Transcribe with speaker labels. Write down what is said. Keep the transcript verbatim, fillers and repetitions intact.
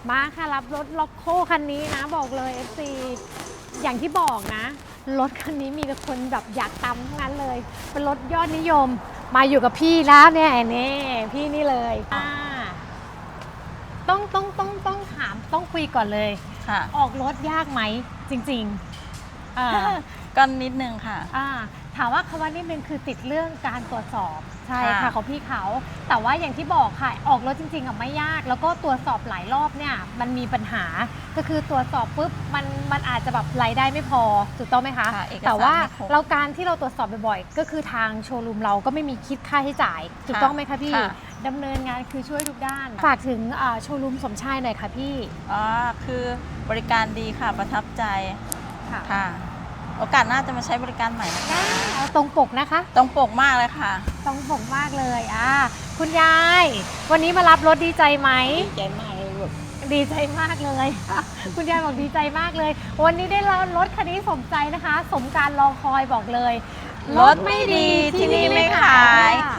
Speaker 1: มาค่ะรับรถล็อกโคคันนี้นะบอกเลย เอฟ ซี อย่างที่บอกนะรถคันนี้มีแต่คนแบบอยากตามทั้งนั้นเลยเป็นรถยอดนิยมมาอยู่กับพี่แล้วเนี่ยนี่พี่นี่เลยอ่าต้องต้องต้องต้องถามต้องคุยก่อนเลย
Speaker 2: ค่ะ
Speaker 1: ออกรถยากไหมจริงๆอ่า
Speaker 2: ก็นิดนึงค่ะ
Speaker 1: อ่าถามว่าคำว่านิดนึงคือติดเรื่องการตรวจสอบใช่ค่ะ
Speaker 2: ค่ะ
Speaker 1: ของพี่เขาแต่ว่าอย่างที่บอกค่ะออกรถจริงๆอ่ะไม่ยากแล้วก็ตรวจสอบหลายรอบเนี่ยมันมีปัญหาก็คือตรวจสอบปุ๊บมันมันอาจจะแบบรายได้ไม่พอถูกต้องไหมคะ
Speaker 2: ค่ะเอกสาร
Speaker 1: แต่ว่า
Speaker 2: ไม่ครบ
Speaker 1: เราการที่เราตรวจสอบบ่อยๆก็คือทางโชว์รูมเราก็ไม่มีคิดค่าใช้จ่ายถูกต้องไหมคะพี่
Speaker 2: ค่ะ
Speaker 1: ดำเนินงานคือช่วยทุกด้านฝากถึงอ่าโชว์รูมสมชายหน่อยค่ะพี่
Speaker 2: อ๋อคือบริการดีค่ะประทับใจ
Speaker 1: ค่ะ
Speaker 2: ค่ะ โอกาสหน้าจะมาใช้บริการใหม่นะคะ
Speaker 1: เอาตรงปกนะคะ
Speaker 2: ตรงปกมากเลยค่ะ
Speaker 1: ตรงปกมากเลยอ่าคุณยาย วันนี้มารับรถดีใจไหม
Speaker 3: ดีใจมากเลยลูก
Speaker 1: ดีใจมากเลย คุณยายบอกดีใจมากเลย วันนี้ได้รับรถคันนี้สมใจนะคะ สมการรอคอยบอกเลย
Speaker 2: รถไม่ดีที่นี่ไม่ขาย
Speaker 1: ค่ะ